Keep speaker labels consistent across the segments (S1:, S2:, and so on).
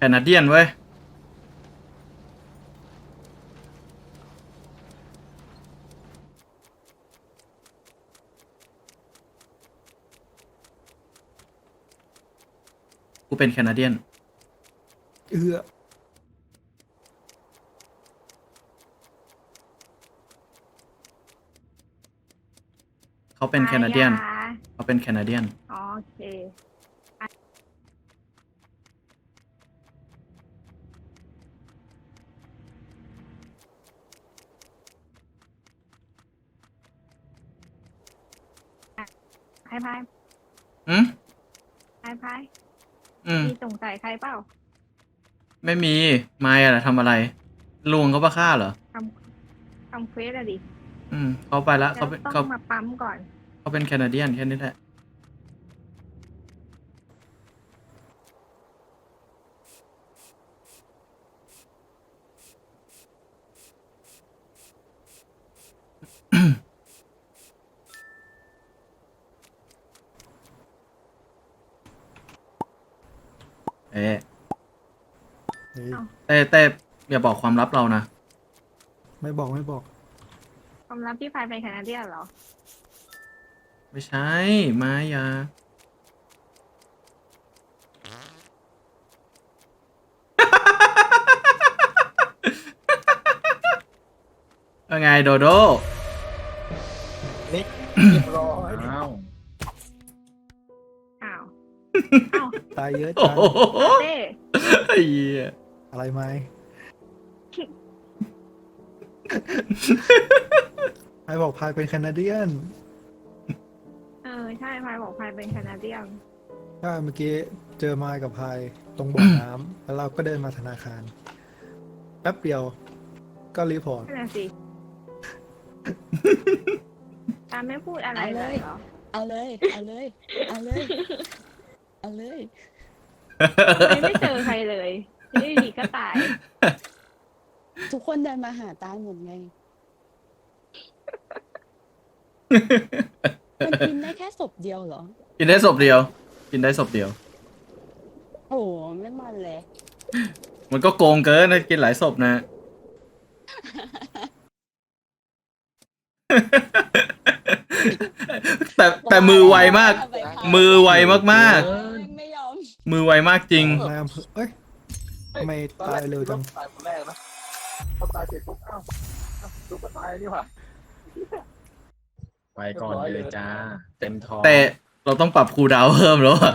S1: นาเดียนเว้ยกูเป็นแคนาเดียน
S2: เอื้อ
S1: เขาเป็นแคนาเดียนเขาเป็นแคนาเดียน
S3: โอเคพายพาย
S1: อืม
S3: พายพาย
S1: อืม
S3: มีสงสัยใครเปล่า
S1: ไม่มีมายอะทำอะไรลุงเขาบ้าฆ่าเหรอ
S3: ททำเควสอะดิ
S1: เขาไปแล้ว
S3: แล้วต้องมาปั๊มก่อน
S1: เขาเป็นแคนาเดียนแค่นี้แหละเอ๊ะ
S2: เฮ้ย
S1: เต้อย่าบอกความลับเรานะ
S2: ไม่บอกไม่บอก
S3: ความลับที่พายเป็นแคนาเดียนเหรอ
S1: ไม่ใช่มายาว่าไงโดโด
S2: นี่เรียบร้อย
S4: อ้าว
S3: อ้าวอ้าว
S2: ตายเยอะ
S1: โอ้
S2: จัง
S1: โห
S3: เต้
S1: ไอ้เหี้ย
S2: อะไรไหมไอ้บอกพายเป็นแคนาเดียน
S3: ใช่พายบอกพายเป็นแคนาเดียน
S2: ถ้าเมื่อกี้เจอไมค์กับพายตรงบ่อน้ำแล้วเราก็เดินมาธนาคารแป๊บเดียวก็รีพอร์ต
S3: นั่นแหละสิตามไม่พูดอะไรเลยเหรอ
S5: เอาเลย เอาเลย เอาเลย เอาเลย
S3: ไม่เจอใครเลยนี่ดีก็ตาย
S5: ทุกคนเดินมาหาตาหมดไง มันกินได้แค่ศพเดียวเหรอ
S1: กินได้ศพเดียว กินได้ศพเดียว
S5: โอ้โหไม่มันเลย
S1: มันก็โกงเกินนะกินหลายศพนะ แต่มือไวมาก มือไวมาก
S5: ไม่ยอม
S1: ๆ มือไวมากจริง
S2: นายอำเภอเอ้ยทำไมตายเร็วจัง
S4: ตายคนแรกนะพอตายเสร็จปุ๊บอ้าวตุ๊กก็ตายนี่หว่าไปก่อนเลยจ้า เต็มท้อง
S1: แต่เราต้องปรับคูลดาวน์เพิ่มแล้วอะ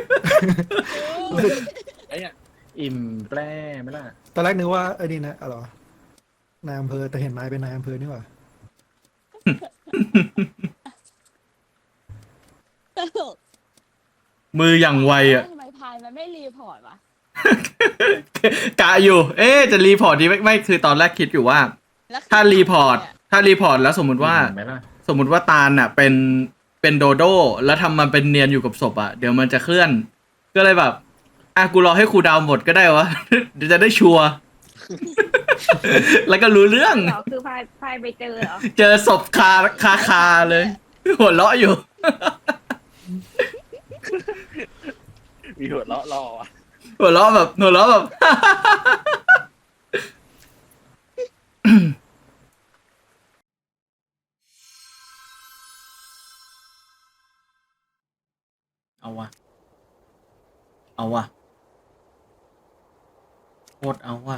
S4: ไอ้เนี่ยอิ่มแปร่ไหมล่ะ
S2: ตอนแรกนึกว่าไอ้นี่นะอะไรวะนายอำเภอแต่เห็นไม้เป็นนายอำเภอนี่หว่า
S5: ตลก
S1: มืออย่างไวอะ
S5: ทำไมพายมันไม่รีพอร์ตวะ
S1: กะอยู่ จะรีพอร์ตดีไม่คือตอนแรกคิดอยู่ว่า
S5: แล้วคือ
S1: ถ้ารีพอร์ตแล้วสมมุติว่า
S4: อิ่มไหมล่ะ
S1: สมมุติว่าตาลน่ะเป็นโดโดแล้วทำมันเป็นเนียนอยู่กับศพอ่ะเดี๋ยวมันจะเคลื่อน ก็เลยแบบกูรอให้ครูดาวหมดก็ได้วะ เดี๋ยวจะได้ชัวร์ แล้วก็รู้เรื่อง
S3: เหรอคือพายไปเจอเหรอ
S1: เจอศพคาเลย หัวเราะอยู่
S4: มีหัวเราะรออ่ะ
S1: หัวเราะแบบ เอาวะโคตรเอาวะ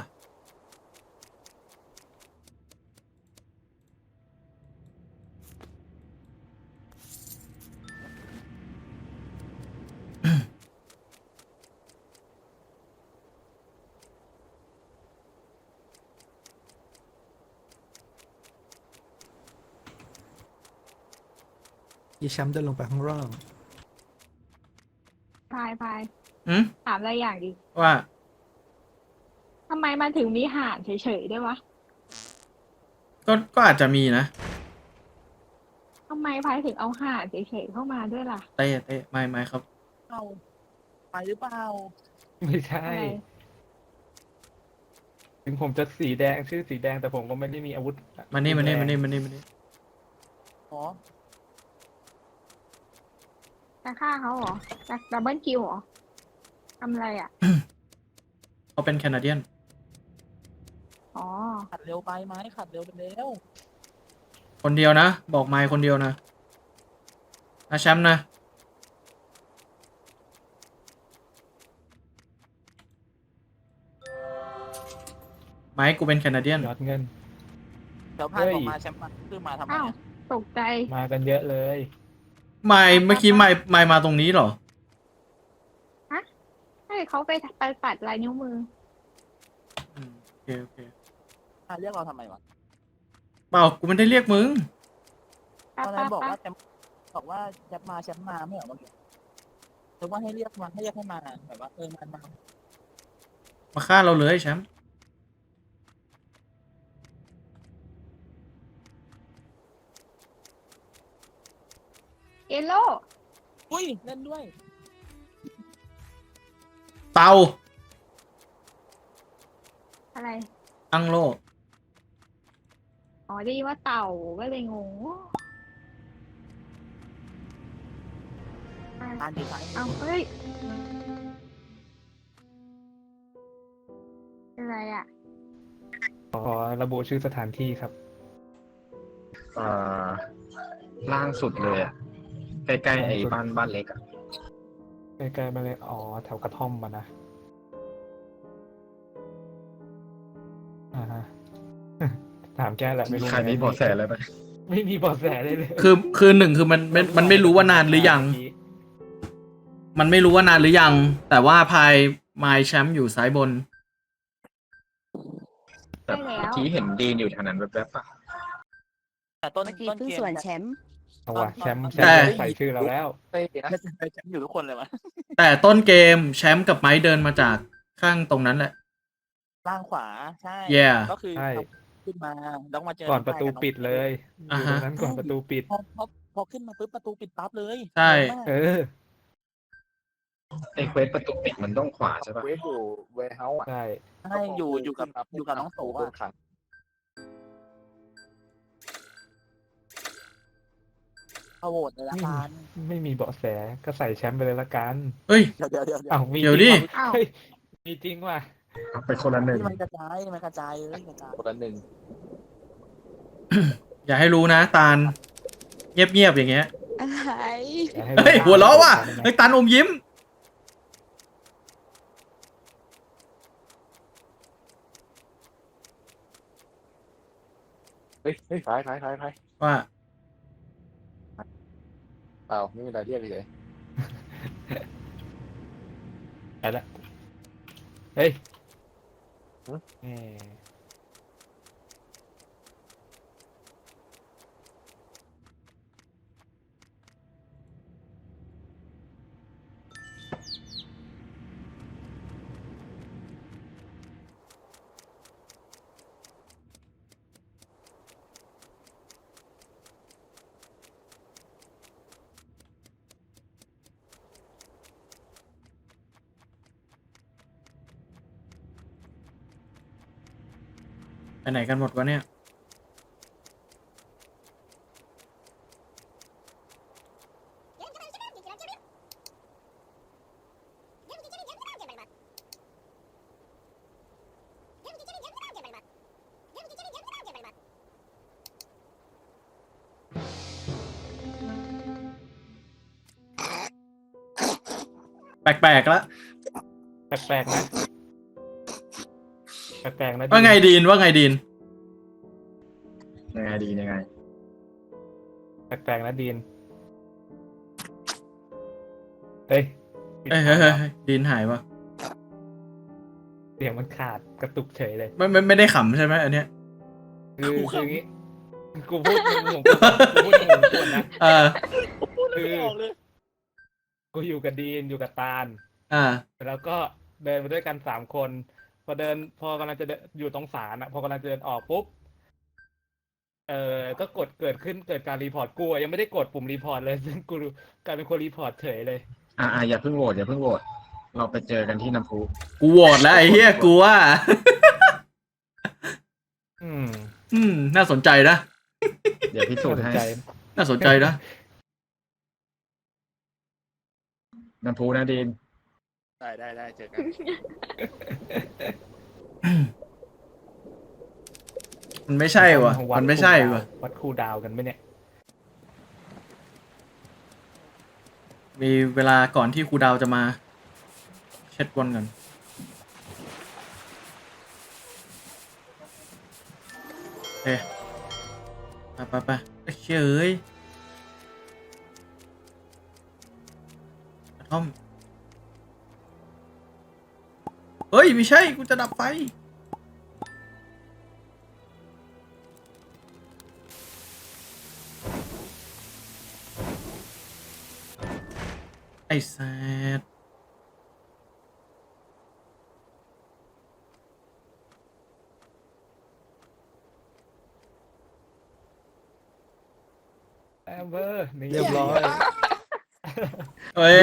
S2: อีแชมป์เดินลงไปข้างล่าง
S3: พาย
S1: อืม
S3: ถามอะไรอย่างดิ
S1: ว่า
S3: ทำไมมันถึงมีห่านเฉยๆด้วยวะ
S1: ก็อาจจะมีนะ
S3: ทำไมพายถึงเอาห่านเฉยๆเข้ามาด้วยล่ะ
S1: เต้ไม่ครับ
S5: เอาไปหรือเปล่า
S6: ไม่ใช่
S3: อะไร
S6: ถึงผมจะสีแดงชื่อสีแดงแต่ผมก็ไม่ได้มีอาวุธ
S1: มานี่
S5: อ๋อ
S3: จะฆ่าเขาเหรอจะดับเบิลคิวเหรอทำอะไรอ่ะ
S1: เขาเป็นแคนาเดียน
S3: อ๋อ
S7: ขัดเร็วไปไหมขัดเร็วไปเร็ว
S1: คนเดียวนะ บอกไมค์คนเดียวนะแชมป์นะ ไมค์กูเป็นแคนาเดียน
S6: ยอดเงิน
S7: เดี๋ยวพาย
S6: เฮ้ย
S7: ออกมาแชมป์มาคือมาทำไม
S3: อ้าว
S7: อะ
S3: ตกใจ
S6: มากันเยอะเลย
S1: ไมค์เมื่อกี้ไมค์มาตรงนี้เหรอ
S3: ใช่เขาไปตัดลายนิ้วมือ
S1: โอเคโอเค
S7: เรียกเราทำไมวะ
S1: เปล่ากูไม่ได้เรียกมึง
S7: ตอนนั้นบอกว่าแชมป์บอกว่าแชมป์มาไม่เหรอเมื่อกี้หรือว่าให้เรียกมาให้มาแบบว่ามา
S1: มาฆ่าเราเลยแชมป์
S3: เยลโล่
S7: อุ้ยเล่นด้วย
S1: เตา
S3: อะไร
S1: อังโล
S3: อ๋อได้ยินว่าเต่าก็เลยงง
S7: อ่านดีไซน์
S3: เอาเฮ้ยอะไรอ่ะ
S6: ขอระบุชื่อสถานที่ครับ
S4: ล่างสุดเลยอะใกล้ๆไอ้บ้านเล็กอะ
S6: ใกล้ๆมาเลยอ๋อแถวกระท่อมมานะอ่าฮะ ถามแกแหละไม่รู้
S4: ใครมีเบาะแสอะไรไหม
S6: ไม่มีเบาะแสเลยเลย
S1: คือหนึ่งคือมันไม่รู้ว่านานหรือยัง มันไม่รู้ว่านานหรือยัง แต่ว่าพายไมค์แชมป์อยู่ซ้ายบน
S4: แต่เมื่อกี้เห็นดีนอยู่แถวนั้นแวบๆอะ
S7: แต่ต้น
S5: เมื่อกี้
S7: ต้น
S5: เพิ่ง
S7: เกม
S5: ส่วนแชมป์
S6: เอาว่ะแชมป์
S1: แต่
S6: ใส่ชื่อเราแล้ว
S7: แชมป์อยู่ทุกคนเลยวะ
S1: แต่ต้นเกมแชมป์กับไมค์เดินมาจากข้างตรงนั้นแหละ
S7: ล่างขวาใช่
S1: Yeah
S7: ก็คือ
S6: ใช่
S7: ขึ้นมาแล้วมาเจอ
S6: ก่อนประตูปิดเลยอ
S1: อ่า
S6: ยู่
S1: ฮะ
S6: ตรงนั้นก่อนประตูปิด
S7: พอขึ้นมาปุ๊บประตูปิดปั๊บเลย
S1: ใช่
S7: งงมาก
S6: เออ
S4: ไอ้เควสประตูปิดมันต้องขวาใช่ปะ
S8: เวฟอยู่เวร์เฮาส์อ่ะ
S6: ใช่
S7: ใช่อยู่กับน้องโตอ่ะ
S8: ขัง
S7: เอาโหวตเลยละกัน
S6: ไม่มีเบาะแสก็ใส่แชมป์ไปเลยละกัน
S1: เฮ้ย
S7: เดี๋ยว
S6: อ้าวมี
S1: เดี๋ยว
S6: จริง
S1: ดิ
S6: ว่ะ
S3: อ้าว
S6: เฮ้ยมีจริงว่ะ
S4: เอาไปคนละหนึ่ง
S7: ที่มันกระจายเลยกระจาย
S8: คนละหนึ่ง
S1: อย่าให้รู้นะตาล เงียบๆอย่างเงี้ย
S5: อะไร
S6: อย่าให้
S1: เฮ้ย หัวเราะว่ะเฮ้ยตาลอมยิ้ม
S8: เฮ้ยท้าย
S1: ว่า
S8: เปล่าไม่มีอะไรเรียกเลย
S6: ไปละเฮ้ย
S8: ฮะ
S6: แหม
S1: ไปไหนกันหมดวะเนี่ย แปลกๆแล้ว
S6: แปลกๆนะแปลกๆนะ
S1: ว่าไงดีนว่าไงดีน
S4: ยังไงดียังไง
S6: แปลกๆนะดีนเฮ้ย
S1: เฮ้ยเฮ้ยเฮ้ยเฮ้ยดีนหายวะ
S6: เสียงมันขาดกระตุกเฉยเลย
S1: ไม่ได้ขำใช่ไหมอันเนี้ย
S6: คืออย่างงี้กูพูดในมุมกูพูดในมุมกูนะ
S7: พูดเลยไม่ออกเลย
S6: กูอยู่กับดีนอยู่กับตาล แล้วก็เดินไปด้วยกัน3 คน พอกำลังจะอยู่ตรงศาลอะพอกำลังจะเดินออกปุ๊บก็เกิดการรีพอร์ตกูอะยังไม่ได้กดปุ่มรีพอร์ตเลยซึ่งกูกลายเป็นคนรีพอร์ตเฉยเลย
S4: อย่าเพิ่งโหวตเราไปเจอกันที่น้ำพุ
S1: กูโหวตแล้วไอ้เหี้ยกูว่า น่าสนใจนะ
S4: เดี๋ยวพิสูจน์ให้
S1: น่าสนใจนะ
S4: น้ำพุนะดีน
S8: ได้เจอกัน
S1: มันไม่ใช่วะมันไม่ใช่วะ
S6: วัดคูลดาวน์กันไหมเนี่ย
S1: มีเวลาก่อนที่ครูดาวจะมา เช็ดบอลกันเอ๊ะไปเฉยกระท่อมเฮ้ย ไม่ใช่ กูจะดับไฟ ไอ้แซด
S6: แอมเบอร์นี่
S2: เรียบร้อย
S1: เอ้ย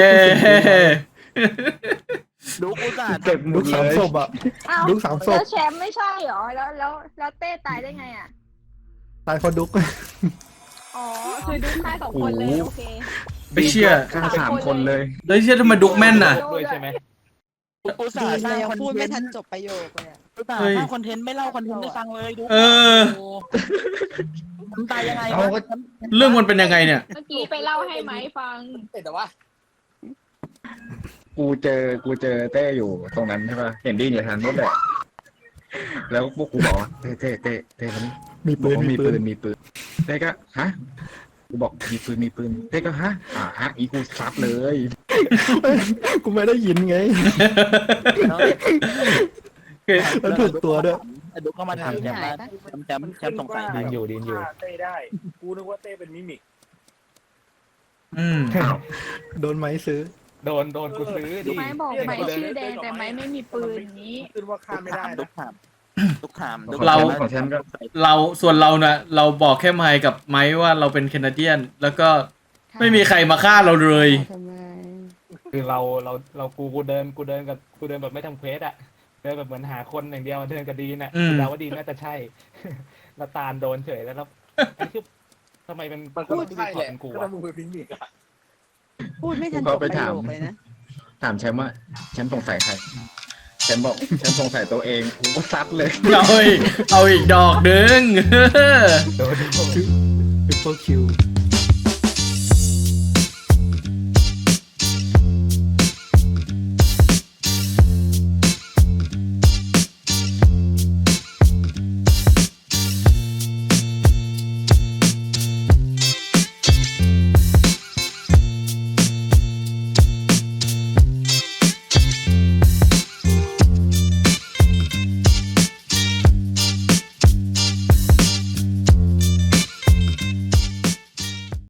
S7: ดูกูจ่า
S8: เก็บหม
S2: ลู
S8: ด
S2: ก
S8: เล
S2: สาม
S8: ย
S2: ศพอ่ะ
S3: เอ้า
S2: ดุ๊ก3 ศพ
S3: แล้วแชมป์ไม่ใช่เหรอ แล้วเต้ตายได้ไงอ่ะ
S2: ตายคนดุ๊ก
S3: อ๋อ คือดุ๊กตาย2 คนเลย โอเค
S1: ไม่เชื่อ
S8: ฆ่า3 คนเลย
S1: เลยเชื่อทำไมดุกแม่นน่ะ
S6: ด้วยใช่ไหม
S7: กูจ่า
S5: ดี
S7: สร้าง
S5: เลย
S7: คอน
S5: พูด
S7: เท
S5: ไม่
S7: น
S5: ทัน
S7: ต์
S5: จบประโยคเลยอะ
S7: กูจ่า
S1: เฮ้ย
S7: สร้างคอนเทนต์ไม่เล่าคอนเทนต์ให้ฟังเลยดู
S1: เออ
S7: โอ้มันตายยังไง
S8: เอาก็
S7: วะ
S1: เรื่องมันเป็นยังไงเนี่ย
S3: เมื่อกี้ไปเล่าให้ไม้ฟัง
S8: แต่ว่ากูเจอเต้อยู่ตรงนั้นใช่ป่ะเห็นดิ้นอยู่ทางนู้นแหละแล้วพวกกูบอกว่าเต้มัน
S2: มีปืน
S8: มีปืนเต้ก็ฮะกูบอกมีปืนเต้ก็ฮะอีกูซัดเลย
S2: กูไม่ได้ยินไง
S7: แล้ว
S2: แล้วถูกตัวด้วย
S7: ไอ้ดุ๊กก็มาถามแชมป์ว่าแชมป์สงสัยไหม
S6: ดินอยู่
S4: เต้ได้ กูนึกว่าเต้เป็นมิมิก
S1: อืม
S2: โดนไม้ซื้อ
S6: โดนกูซื้อดิ
S3: ไม้บอกไม้ชื่อแดงแต่ไม้ไม่มีปืนอย่างนี้
S4: ขึ้นว่าฆ่าไม่ได้
S7: ดุ๊
S4: นะ
S7: กถามดุ๊กถามดุ๊ก
S1: เรา
S8: ของฉันก็
S1: ส่วนเราน่ะ เราบอกแค่ไมค์กับไมค์ว่าเราเป็นแคนาเดียน แล้วก็ไม่มีใครมาฆ่าเราเลย
S5: ทำไม
S6: คือกูเดินแบบไม่ทำเควสอะเดินแบบเหมือนหาคนอย่างเดียวเดินกับดีนอะ
S1: อืม
S6: เดาว่าดีนน่าจะใช่ แล้วตาลโดนเฉยแล้วไอ้คือทำไมเป็น
S8: มันก็ใช่แหละ
S6: เป็นกู
S8: ก็
S6: อะ
S8: มึงเป็นมิมิกอะ
S5: พูดไม่ทัน
S8: กู
S5: จ
S8: เข้า
S5: บ
S8: ไป
S5: ประ
S8: ถาม
S5: โยคเลยนะ
S8: ถามแชมป์ว่าแชมป์สงสัยใครแชมป์บอกแชมป์สงสัยตัวเองกูก็ซัดเลย
S1: เอาอีกดอกหนึ่ง
S6: โดน
S2: Triple Q